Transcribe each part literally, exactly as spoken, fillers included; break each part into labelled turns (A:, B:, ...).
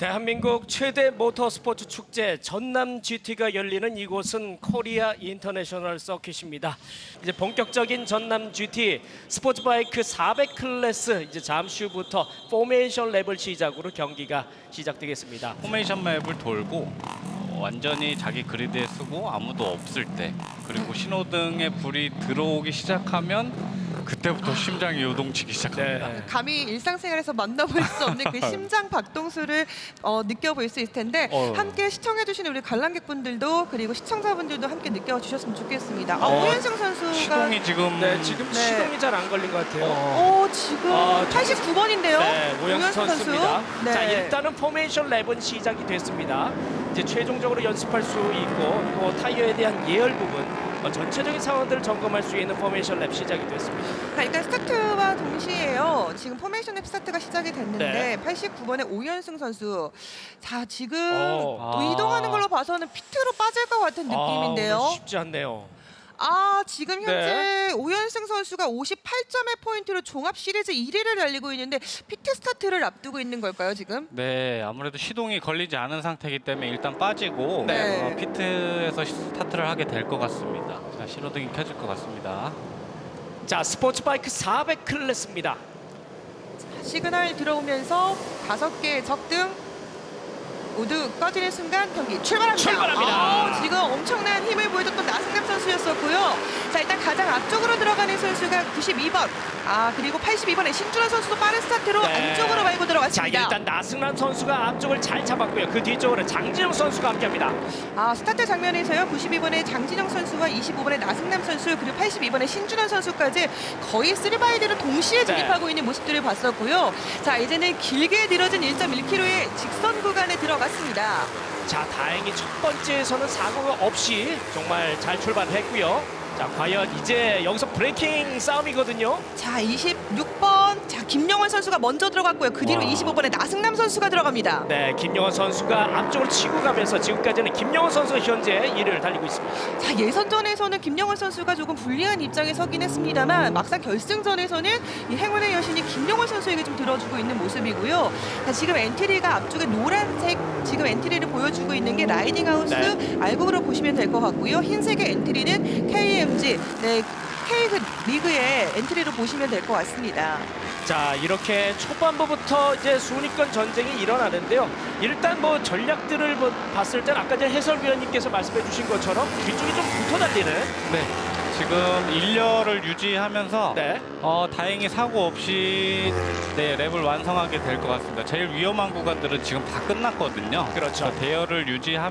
A: 대한민국 최대 모터스포츠 축제 전남 지티가 열리는 이곳은 코리아 인터내셔널 서킷입니다. 이제 본격적인 전남 지티 스포츠바이크 사백 클래스 이제 잠시 후부터 포메이션 랩을 시작으로 경기가 시작되겠습니다.
B: 포메이션 맵을 돌고 어, 완전히 자기 그리드에 쓰고 아무도 없을 때, 그리고 신호등에 불이 들어오기 시작하면 그때부터 심장이 요동치기 시작합니다.
A: 네.
C: 감히 일상생활에서 만나볼 수 없는 그 심장 박동수를 어, 느껴볼 수 있을 텐데
B: 어.
C: 함께 시청해주시는 우리 관람객분들도 그리고 시청자분들도 함께 느껴주셨으면 좋겠습니다. 아,
B: 어,
C: 오현승 선수가
B: 시동이 지금
A: 네, 지금
C: 네.
A: 시동이 잘 안 걸린 것 같아요.
C: 어, 지금
A: 아,
C: 팔십구 번인데요.
A: 네, 오영수 선수입니다.
C: 네.
A: 자, 일단은 포메이션 랩은 시작이 됐습니다. 이제 최종적으로 연습할 수 있고 또 타이어에 대한 예열 부분 어, 전체적인 상황들을 점검할 수 있는 포메이션 랩 시작이 됐습니다.
C: 자, 일단 스타트와 동시에요. 지금 포메이션 랩 스타트가 시작이 됐는데
A: 네.
C: 팔십구 번의 오현승 선수. 자, 지금
A: 어.
C: 또 이동하는 걸로 봐서는 피트로 빠질 것 같은 느낌인데요.
A: 아, 쉽지 않네요.
C: 아, 지금 현재
A: 네.
C: 오현승 선수가 오십팔 점의 포인트로 종합 시리즈 일 위를 달리고 있는데 피트 스타트를 앞두고 있는 걸까요, 지금?
B: 네, 아무래도 시동이 걸리지 않은 상태이기 때문에 일단 빠지고
C: 네.
B: 어, 피트에서 스타트를 하게 될 것 같습니다. 자, 신호등이 켜질 것 같습니다.
A: 자, 스포츠바이크 사백 클래스입니다.
C: 시그널 들어오면서 다섯 개의 적등 모두 꺼지는 순간 경기 출발합니다.
A: 출발합니다.
C: 아, 지금 엄청난 힘을 보여줬던 나승남 선수였었고요. 자, 일단 가장 앞쪽으로 들어가는 선수가 구십이 번. 아, 그리고 팔십이 번의 신준호 선수도 빠른 스타트로
A: 네.
C: 안쪽으로 말고
A: 자,
C: 들어갔습니다.
A: 일단 나승란 선수가 앞쪽을 잘 잡았고요. 그 뒤쪽으로 장진영 선수가 함께합니다.
C: 아, 스타트 장면에서요. 구십이 번의 장진영 선수와 이십오 번의 나승남 선수 그리고 팔십이 번의 신준환 선수까지 거의 쓰리바이드를 동시에 진입하고
A: 네.
C: 있는 모습들을 봤었고요. 자, 이제는 길게 늘어진 일 점 일 킬로미터의 직선 구간에 들어갔습니다.
A: 자, 다행히 첫 번째에서는 사고가 없이 정말 잘 출발했고요. 자, 과연 이제 여기서 브레이킹 싸움이거든요.
C: 자, 이십육 번. 자, 김영원 선수가 먼저 들어갔고요. 그 뒤로
B: 와.
C: 이십오 번의 나승남 선수가 들어갑니다.
A: 네, 김영원 선수가 앞쪽으로 치고 가면서 지금까지는 김영원 선수가 현재 일 위를 달리고 있습니다.
C: 자, 예선전에서는 김영원 선수가 조금 불리한 입장에 서긴 했습니다만 막상 결승전에서는 이 행운의 여신이 김영원 선수에게 좀 들어주고 있는 모습이고요. 자, 지금 엔트리가 앞쪽에 노란색 지금 엔트리를 보여주고 있는 게 라이딩 하우스
A: 네.
C: 알곡으로 보시면 될 것 같고요. 흰색의 엔트리는 케이엠지 네, K 리그의 엔트리로 보시면 될 것 같습니다.
A: 자, 이렇게 초반부부터 이제 순위권 전쟁이 일어나는데요. 일단 뭐 전략들을 뭐 봤을 땐 아까 전에 해설위원님께서 말씀해 주신 것처럼 뒤쪽이 좀 붙어 달리는
B: 네, 지금 일렬을 유지하면서
A: 네.
B: 어, 다행히 사고 없이 네, 랩을 완성하게 될 것 같습니다. 제일 위험한 구간들은 지금 다 끝났거든요.
A: 그렇죠.
B: 자, 대열을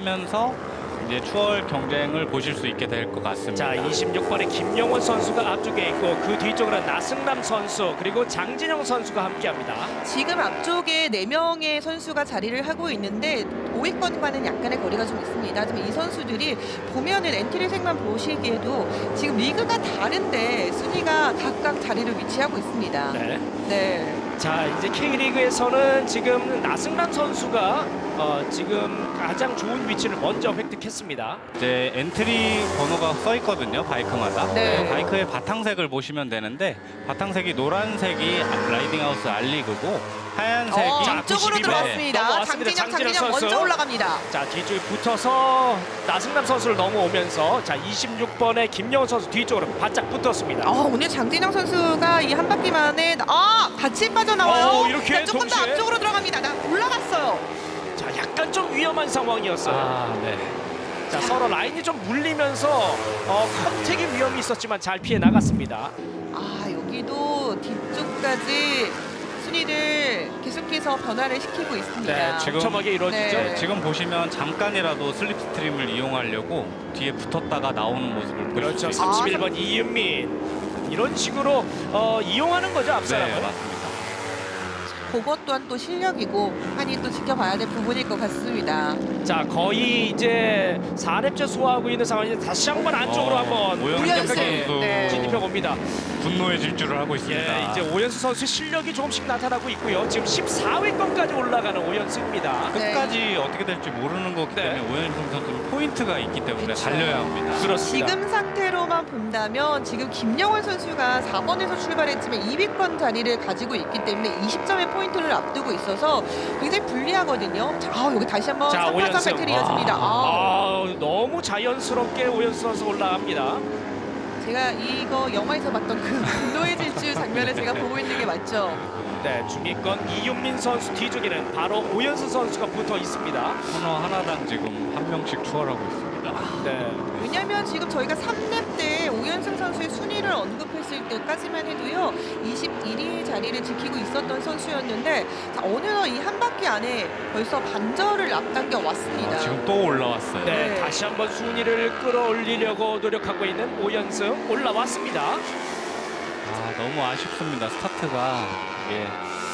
B: 유지하면서 이제 추월 경쟁을 보실 수 있게 될 것 같습니다.
A: 자, 이십육 번의 김영원 선수가 앞쪽에 있고 그 뒤쪽으로 나승남 선수 그리고 장진영 선수가 함께합니다.
C: 지금 앞쪽에 네 명의 선수가 자리를 하고 있는데 오 위권과는 약간의 거리가 좀 있습니다. 하지만 이 선수들이 보면은 엔트리색만 보시기에도 지금 리그가 다른데 순위가 각각 자리를 위치하고 있습니다.
A: 네.
C: 네.
A: 자, 이제 K리그에서는 지금 나승남 선수가 어, 지금 가장 좋은 위치를 먼저 획득했습니다.
B: 이제 엔트리 번호가 써 있거든요, 바이크마다.
C: 네.
B: 바이크의 바탕색을 보시면 되는데 바탕색이 노란색이 라이딩 하우스 알리그고 하얀색이
C: 어,
A: 자,
C: 앞쪽으로
A: 구십이 번
C: 들어갔습니다.
A: 넘어왔습니다.
C: 장진영,
A: 장진영
C: 장진영
A: 선수.
C: 먼저 올라갑니다.
A: 자, 뒤쪽에 붙어서 나승남 선수를 넘어오면서 자, 이십육 번의 김영원 선수 뒤쪽으로 바짝 붙었습니다.
C: 어, 오늘 장진영 선수가 이 한 바퀴 만에 아 같이 빠져나와요.
A: 어, 이렇게
C: 자, 조금 더
A: 동시에?
C: 앞쪽으로 들어갑니다. 나 올라갔어요.
A: 자, 약간 좀 위험한 상황이었어요.
B: 아, 네.
A: 자, 서로 라인이 좀 물리면서 어, 컨택의 위험이 있었지만 잘 피해 나갔습니다.
C: 아, 여기도 뒤쪽까지 순위를 계속해서 변화를 시키고 있습니다.
A: 네,
B: 지금-
A: 촘촘하게 이루어지죠.
C: 네.
B: 지금 보시면 잠깐이라도 슬립스트림을 이용하려고 뒤에 붙었다가 나오는 모습을 보실
A: 그렇죠.
B: 수 있습니다.
A: 삼십일 번 이윤민 이런 식으로 어, 이용하는 거죠,
B: 네,
A: 앞사람을.
B: 맞습니다.
C: 그것 또한 또 실력이고 많이 또 지켜봐야 될 부분일 것 같습니다.
A: 자, 거의 이제 사 렙째 소화하고 있는 상황인데 다시 한번 안쪽으로
B: 어,
A: 한번
B: 오연수
A: 강력하게
B: 선수
C: 네.
A: 진입해 봅니다.
B: 분노의 질주를 하고 있습니다.
A: 예, 이제 오연수 선수의 실력이 조금씩 나타나고 있고요. 지금 십사 위권까지 올라가는 오연수입니다.
C: 네.
B: 끝까지 어떻게 될지 모르는 거기
A: 네.
B: 때문에 오연승 선수는 포인트가 있기 때문에
C: 그쵸.
B: 달려야 합니다.
A: 그렇습니다.
C: 지금 상태로만 본다면 지금 김영원 선수가 사 번에서 출발했지만 이 위권 자리를 가지고 있기 때문에 이십 점의 포인트를 선수를 앞두고 있어서 굉장히 불리하거든요. 자, 아, 여기 다시 한번
A: 자,
C: 삼 파
A: 오연승.
C: 배틀이었습니다. 아.
A: 아, 너무 자연스럽게 오연수 선수 올라갑니다.
C: 제가 이거 영화에서 봤던 그 분노의 질주 장면을 제가 보고 있는 게 맞죠?
A: 네, 중위권 이윤민 선수 뒤쪽에는 바로 오연수 선수가 붙어 있습니다.
B: 코너 하나당 지금 한 명씩 추월하고 있습니다.
A: 네.
C: 왜냐면 지금 저희가 삼 렙 때 오연승 선수의 순위를 언급했을 때까지만 해도요 이십일 위 자리를 지키고 있었던 선수였는데 자, 어느덧 이 한 바퀴 안에 벌써 반절을 앞당겨 왔습니다.
B: 아, 지금 또 올라왔어요.
A: 네,
C: 네.
A: 다시 한번 순위를 끌어올리려고 노력하고 있는 오연승 올라왔습니다.
B: 아, 너무 아쉽습니다. 스타트가 이게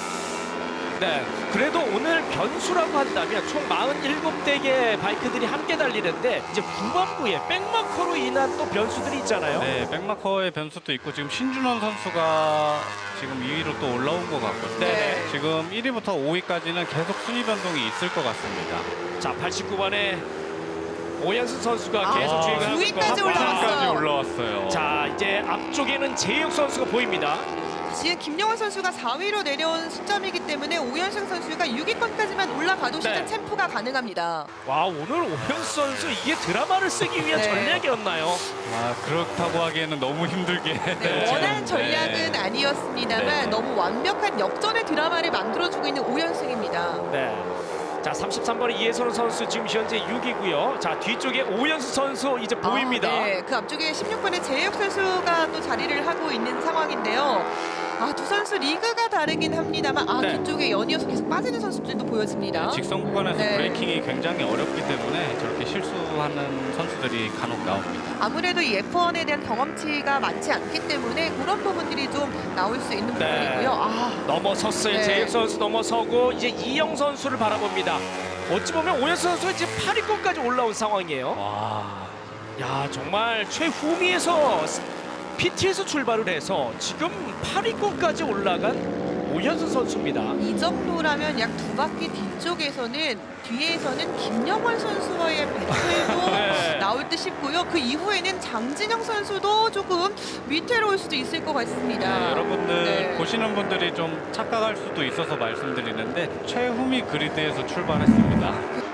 A: 네, 그래도 오늘 변수라고 한다면 총 사십칠 대의 바이크들이 함께 달리는데 이제 후반부에 백마커로 인한 또 변수들이 있잖아요.
B: 네, 백마커의 변수도 있고 지금 신준원 선수가 지금 이 위로 또 올라온 것 같거든요.
A: 네.
B: 지금 일 위부터 오 위까지는 계속 순위 변동이 있을 것 같습니다.
A: 자, 팔십구 번에 오연수 선수가
C: 아,
A: 계속 주행을 하고
C: 구
A: 있고
C: 위까지 올라왔어요.
B: 까지 올라왔어요.
A: 자, 이제 앞쪽에는 재욱 선수가 보입니다.
C: 지금 김영환 선수가 사 위로 내려온 시점이기 때문에 오연승 선수가 육 위권까지만 올라가도 시즌
A: 네.
C: 챔프가 가능합니다.
A: 와, 오늘 오연수 선수 이게 드라마를 쓰기 위한
C: 네.
A: 전략이었나요?
B: 아, 그렇다고 하기에는 너무 힘들게.
C: 네,
B: 지금,
C: 원한 전략은
B: 네.
C: 아니었습니다만
B: 네.
C: 너무 완벽한 역전의 드라마를 만들어주고 있는 오연승입니다.
A: 네. 자, 삼십삼 번의 이혜선 선수 지금 현재 육 위고요. 자, 뒤쪽에 오연수 선수 이제 보입니다.
C: 아, 네, 그 앞쪽에 십육 번의 재혁 선수가 또 자리를 하고 있는 상황인데요. 아, 두 선수 리그가 다르긴 합니다만 아,
A: 네.
C: 뒤쪽에 연이어서 계속 빠지는 선수들도 보여집니다.
B: 직선 구간에서
C: 네.
B: 브레이킹이 굉장히 어렵기 때문에 저렇게 실수하는 선수들이 간혹 나옵니다.
C: 아무래도 이 에프 원에 대한 경험치가 많지 않기 때문에 그런 부분들이 좀 나올 수 있는
A: 네.
C: 부분이고요. 아,
A: 넘어섰어요.
C: 네.
A: 재혁 선수 넘어서고 이제 이영 선수를 바라봅니다. 어찌 보면 오연수 선수가 지금 팔 위권까지 올라온 상황이에요.
B: 와,
A: 야, 정말 최후미에서 피티에서 출발을 해서 지금 팔 위권까지 올라간 오연수 선수입니다.
C: 이 정도라면 약 두 바퀴 뒤쪽에서는 뒤에서는 김영환 선수와의 배틀도
A: 네.
C: 나올 듯 싶고요. 그 이후에는 장진영 선수도 조금 위태로울 수도 있을 것 같습니다.
B: 네, 여러분들
C: 네.
B: 보시는 분들이 좀 착각할 수도 있어서 말씀드리는데 최후미 그리드에서 출발했습니다.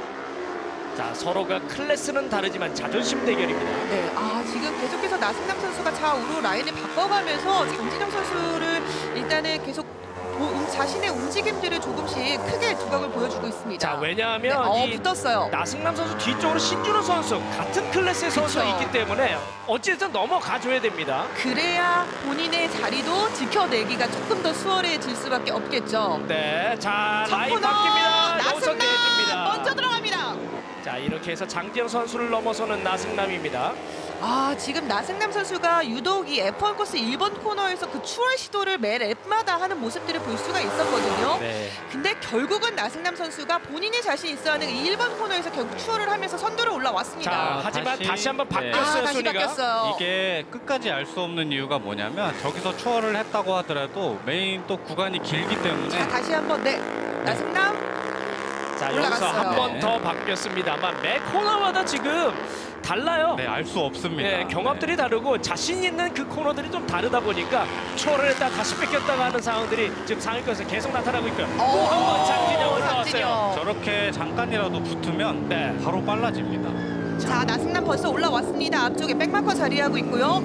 A: 자, 서로가 클래스는 다르지만 자존심 대결입니다.
C: 네, 아 지금 계속해서 나승남 선수가 좌우로 라인을 바꿔가면서 장진영 선수를 일단은 계속 보- 음, 자신의 움직임들을 조금씩 크게 두각을 보여주고 있습니다.
A: 자,
C: 네,
A: 왜냐하면
C: 어,
A: 이
C: 붙었어요.
A: 나승남 선수 뒤쪽으로 신준호 선수 같은 클래스의 선수가
C: 그쵸.
A: 있기 때문에 어쨌든 넘어가줘야 됩니다.
C: 그래야 본인의 자리도 지켜내기가 조금 더 수월해질 수밖에 없겠죠.
A: 네, 자,
C: 첫
A: 라인
C: 코너
A: 바뀝니다. 여기서
C: 나승남
A: 내줍니다.
C: 먼저 들어갑니다.
A: 자, 이렇게 해서 장지영 선수를 넘어서는 나승남입니다.
C: 아 지금 나승남 선수가 유독 이 에프 원 코스 일 번 코너에서 그 추월 시도를 매 랩마다 하는 모습들을 볼 수가 있었거든요.
B: 네.
C: 근데 결국은 나승남 선수가 본인이 자신 있어하는 이 일 번 코너에서 결국 추월을 하면서 선두를 올라왔습니다.
A: 자, 하지만
B: 다시-
A: 다시, 한번
B: 네.
A: 바뀌었어요,
C: 아 다시
A: 순위가.
C: 바뀌었어요.
B: 이게 끝까지 알 수 없는 이유가 뭐냐면 저기서 추월을 했다고 하더라도 메인 또 구간이 길기 때문에
C: 자 다시 한번 네 나승남
A: 자, 여기서
C: 올라갔어요.
A: 한 번
B: 네.
A: 더 바뀌었습니다만 매 코너마다 지금 달라요.
B: 네, 알 수 없습니다.
A: 네, 경합들이
B: 네.
A: 다르고 자신 있는 그 코너들이 좀 다르다 보니까 추월을 했다 다시 뺏겼다가 하는 상황들이 지금 상위권에서 계속 나타나고 있고요. 또 한 번 장진영 올라왔어요.
C: 장진영.
B: 저렇게 잠깐이라도 붙으면
A: 네.
B: 바로 빨라집니다.
C: 자 나승남 벌써 올라왔습니다. 앞쪽에 백마커 자리하고 있고요.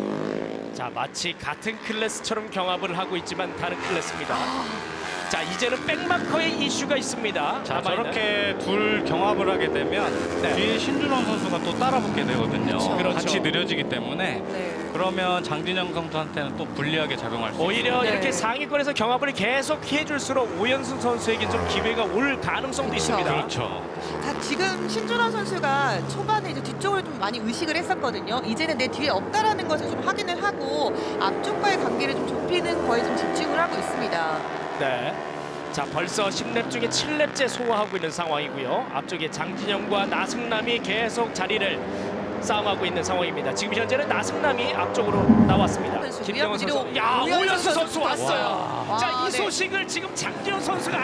A: 자, 마치 같은 클래스처럼 경합을 하고 있지만 다른 클래스입니다. 자, 이제는 백마커의 이슈가 있습니다.
B: 자,
A: 남아있는.
B: 저렇게 둘 경합을 하게 되면
A: 네.
B: 뒤에 신준원 선수가 또 따라붙게 되거든요.
C: 그렇죠.
A: 그렇죠.
B: 같이 느려지기 때문에
C: 네.
B: 그러면 장진영 선수한테는 또 불리하게 작용할 수
A: 오히려
C: 네.
A: 이렇게 상위권에서 경합을 계속 해줄수록 오연승 선수에게 좀 기회가 올 가능성도
C: 그렇죠.
A: 있습니다.
B: 그렇죠.
C: 자 지금 신준원 선수가 초반에 이제 뒤쪽을 좀 많이 의식을 했었거든요. 이제는 내 뒤에 없다라는 것을 좀 확인을 하고 앞쪽과의 관계를 좀 좁히는 거에 좀 집중을 하고 있습니다.
A: 네. 자, 벌써 십 렙 중에 칠 렙째 소화하고 있는 상황이고요. 앞쪽에 장진영과 나승남이 계속 자리를 싸움하고 있는 상황입니다. 지금 현재는 나승남이 앞쪽으로 나왔습니다.
C: 선수고요.
A: 김정은 선수.
C: 그리고
A: 야,
C: 오연수
A: 오연수 선수
C: 선수
A: 왔어요.
C: 와.
A: 자,
C: 와,
A: 이
C: 네.
A: 소식을 지금 장진영 선수가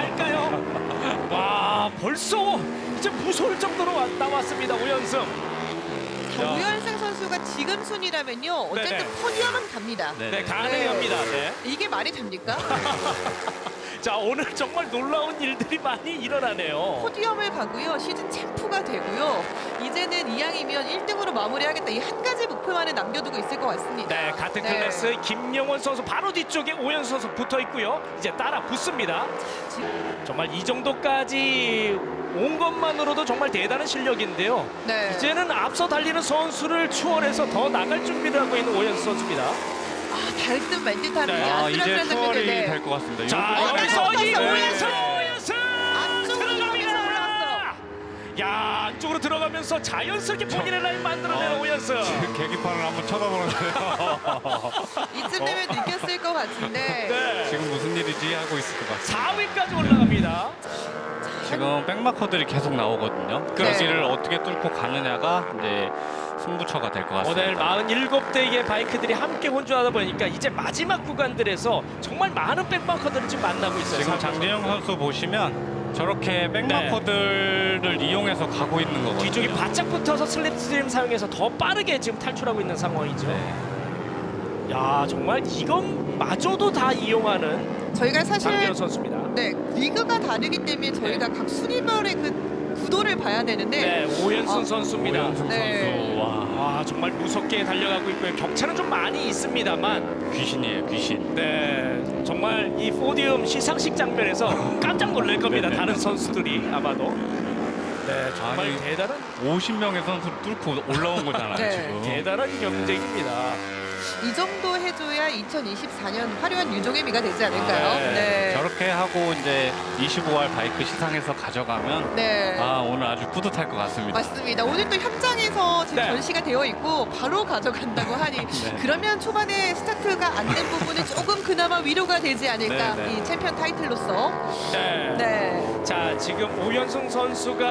A: 알까요? 와, 벌써 이제 무서울 정도로 와- 나왔습니다. 오연승.
C: 오연승 선수가 지금 순위라면요. 어쨌든
A: 네네.
C: 포디움은 갑니다.
B: 네,
A: 네,
B: 네.
A: 가능합니다. 네.
C: 이게 말이 됩니까?
A: 자, 오늘 정말 놀라운 일들이 많이 일어나네요.
C: 포디움을 가고요. 시즌 챔프가 되고요. 이제는 이왕이면 일 등으로 마무리하겠다. 이 한 가지 목표만은 남겨두고 있을 것 같습니다.
A: 네, 같은
C: 네.
A: 클래스 김영원 선수 바로 뒤쪽에 오연수 선수 붙어 있고요. 이제 따라 붙습니다.
C: 지금-
A: 정말 이 정도까지 온 것만으로도 정말 대단한 실력인데요.
C: 네.
A: 이제는 앞서 달리는 선수를 추월해서 더 나갈 준비를 하고 있는 오연수 선수입니다.
C: 아, 달듯 말듯하는
A: 네.
C: 이
B: 아,
C: 아슬아슬한
B: 이제 추월이
C: 장면인데.
B: 될 것 같습니다.
A: 자,
B: 요거-
A: 여기서
C: 네.
A: 이
C: 네.
A: 오연수, 오연수
C: 안쪽으로
A: 들어갑니다.
C: 올라왔어.
A: 야, 안쪽으로 들어가면서 자연스럽게 본인의 라인 만들어내는
B: 어,
A: 오연수.
B: 지금 계기판을 한번 쳐다보는데요.
C: 이쯤 되면 느꼈을 것 같은데.
A: 네.
B: 지금 무슨 일이지 하고 있을 것 같습니다.
A: 사 위까지 올라갑니다.
B: 지금 백마커들이 계속 나오거든요. 그
C: 네.
B: 여기를 어떻게 뚫고 가느냐가 이제 승부처가 될 것 같습니다.
A: 오늘 사십칠 대의 바이크들이 함께 혼주하다 보니까 이제 마지막 구간들에서 정말 많은 백마커들을 지금 만나고 있어요.
B: 지금 장진영 선수 보시면 저렇게 백마커들을 이용해서 가고 있는 거거든요.
A: 뒤쪽이 바짝 붙어서 슬립스트림 사용해서 더 빠르게 지금 탈출하고 있는 상황이죠.
B: 네.
A: 야, 정말 이것마저도 다 이용하는
C: 저희가 사실
A: 장진영 선수입니다.
C: 네, 리그가 다르기 때문에 저희가 각 순위별의 그 구도를 봐야 되는데
A: 네, 오연순
C: 아,
A: 선수입니다.
B: 오연승
C: 네.
B: 선수 와
A: 와, 정말 무섭게 달려가고 있고요. 격차는 좀 많이 있습니다만,
B: 귀신이에요 귀신.
A: 네, 정말 이 포디움 시상식 장면에서 깜짝 놀랄 겁니다.
B: 네네.
A: 다른 선수들이 아마도. 네, 정말
B: 아니,
A: 대단한
B: 오십 명의 선수를 뚫고 올라온 거잖아요
C: 네.
B: 지금.
A: 대단한 경쟁입니다.
C: 이 정도 해줘야 이천이십사 년 화려한 유종의 미가 되지 않을까요?
A: 아, 네.
C: 네.
B: 저렇게 하고 이제 이십오 알 바이크 시상에서 가져가면
C: 네.
B: 아 오늘 아주 뿌듯할 것 같습니다.
C: 맞습니다. 오늘 또 현장에서 지금
A: 네.
C: 전시가 되어 있고 바로 가져간다고 하니
B: 네.
C: 그러면 초반에 스타트가 안 된 부분은 조금 그나마 위로가 되지 않을까
B: 네, 네.
C: 이 챔피언 타이틀로서.
A: 네.
C: 네.
A: 자, 지금 오연승 선수가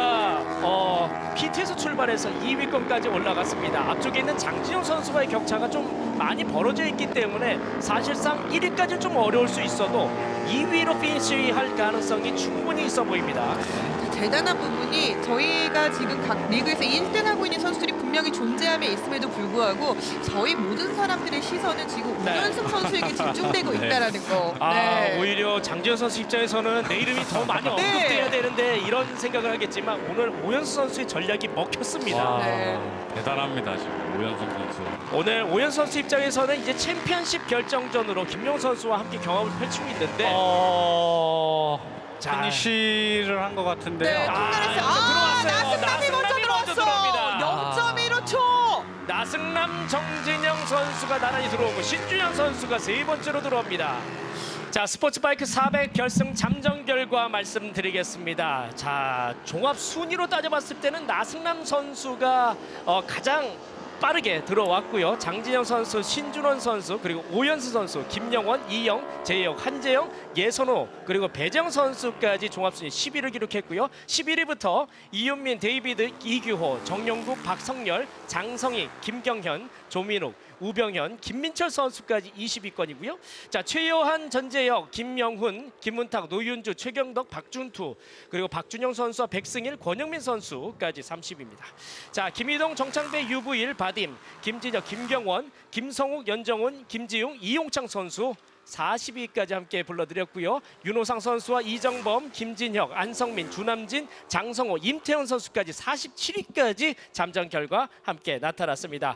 A: 어, 피티에서 출발해서 이 위권까지 올라갔습니다. 앞쪽에 있는 장진영 선수와의 격차가 좀 많이 벌어져 있기 때문에 사실상 일 위까지는 좀 어려울 수 있어도 이 위로 피니시할 가능성이 충분히 있어 보입니다.
C: 대단한 부분이 저희가 지금 각 리그에서 일 등 하고 있는 선수들이 분명히 존재함에 있음에도 불구하고 저희 모든 사람들의 시선은 지금
A: 네.
C: 오연승 선수에게 집중되고
B: 네.
C: 있다라는 거.
A: 아,
C: 네.
A: 오히려 장진영 선수 입장에서는 내 이름이 더 많이 언급돼야 되는데 이런 생각을 하겠지만 오늘 오연수 선수의 전략이 먹혔습니다.
B: 와
C: 네.
B: 대단합니다 지금 오연성 선수.
A: 오늘 오연 선수 입장에서는 이제 챔피언십 결정전으로 김용 선수와 함께 경합을 펼치고 있는데
B: 어...
A: 자.
B: 피니시를 한 것 같은데요.
C: 네,
A: 아,
C: 통달했어요.
A: 여기서
C: 아,
A: 들어왔어요.
C: 나승남이 먼저
A: 나승남이 먼저
C: 들어왔어.
A: 들어옵니다.
C: 영 점 일오 초.
A: 나승남, 정진영 선수가 나란히 들어오고 신준영 선수가 세 번째로 들어옵니다. 자, 스포츠바이크 사백 결승 잠정 결과 말씀드리겠습니다. 자, 종합 순위로 따져봤을 때는 나승남 선수가 어, 가장 빠르게 들어왔고요. 장진영 선수, 신준원 선수, 그리고 오연수 선수, 김영원, 이영, 재영, 한재영, 예선호, 그리고 배정 선수까지 종합순위 십 위를 기록했고요. 십일 위부터 이윤민, 데이비드, 이규호, 정영구, 박성열, 장성희, 김경현, 조민욱, 우병현, 김민철 선수까지 이십 위권이고요. 자, 최요한, 전재혁, 김명훈, 김문탁, 노윤주, 최경덕, 박준투, 그리고 박준영 선수와 백승일, 권영민 선수까지 삼십 위입니다. 자, 김희동, 정창배, 유부일, 바딤, 김진혁, 김경원, 김성욱, 연정훈, 김지용, 이용창 선수 사십 위까지 함께 불러드렸고요. 윤호상 선수와 이정범, 김진혁, 안성민, 주남진, 장성호, 임태현 선수까지 사십칠 위까지 잠정 결과 함께 나타났습니다.